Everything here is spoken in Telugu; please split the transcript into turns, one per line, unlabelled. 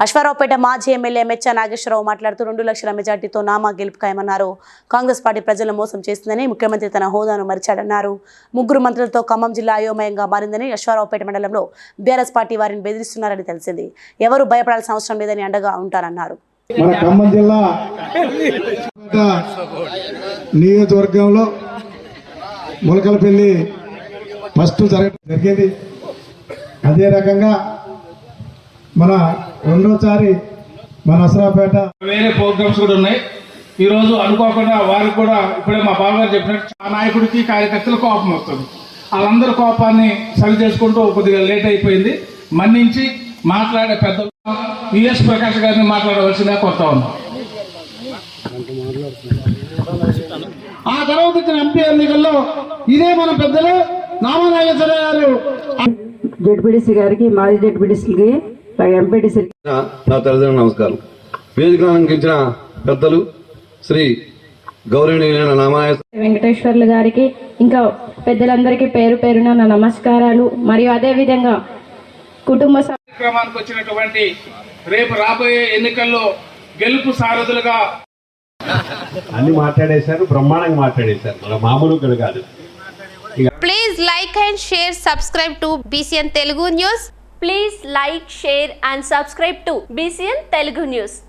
అశ్వారావుపేట మాజీ ఎమ్మెల్యే మెచ్చ నాగేశ్వరరావు మాట్లాడుతూ 2 లక్షల మెజార్టీతో నామా గెలుపు ఖాయమన్నారు. కాంగ్రెస్ పార్టీ ప్రజలను మోసం చేసిందని, ముఖ్యమంత్రి తన హోదాను మరిచాడన్నారు. 3 మంత్రులతో ఖమ్మం జిల్లా అయోమయంగా మారిందని, అశ్వారావుపేట మండలంలో బీఆర్ఎస్ పార్టీ వారిని బెదిరిస్తున్నారని తెలిసింది. ఎవరు భయపడాల్సిన అవసరం లేదని అండగా ఉంటారన్నారు.
మన ఖమ్మం జిల్లా నియోజకవర్గంలో ములకలపల్లి ఫస్ట్ జరిగింది. అదే రకంగా మన రెండోసారి మన అశ్వారావుపేట
వేరే ప్రోగ్రామ్స్ కూడా ఉన్నాయి. ఈరోజు అనుకోకుండా వారికి కూడా ఇప్పుడే మా బావగారు చెప్పినట్టు ఆ నాయకుడికి కార్యకర్తలు కోపం వస్తుంది. వాళ్ళందరూ కోపాన్ని సరి చేసుకుంటూ కొద్దిగా లేట్ అయిపోయింది. మన్నించి మాట్లాడే పెద్దలు విఎస్ ప్రకాష్ గారిని మాట్లాడవలసిందిగా కొత్త ఉన్నాం. ఆ తర్వాత వచ్చిన ఎంపీ ఎన్నికల్లో ఇదే మన పెద్దలు నామా నాగేశ్వరరావు గారు
జెడ్పీడీసీ గారికి, మాజీ జెడ్పీడీసీకి, ఎంపీటీసీ
నా తల్లిదండ్రులు నమస్కారం. వేదికను అలంకరించిన పెద్దలు శ్రీ గౌరవనీయులైన నామా
వెంకటేశ్వర్లు గారికి, ఇంకా పెద్దలందరికీ పేరు పేరున నా నమస్కారాలు. మరియు అదే విధంగా కుటుంబ
కార్యక్రమానికి వచ్చినటువంటి రేపు రాబోయే ఎన్నికల్లో గెలుపు సారథులుగా
అన్ని మాట్లాడేశారు, బ్రహ్మాండంగా మాట్లాడేశారు, మన మామూలు కాదు.
Please like and share, subscribe to BCN Telugu News.
Please like, share and subscribe to BCN Telugu News.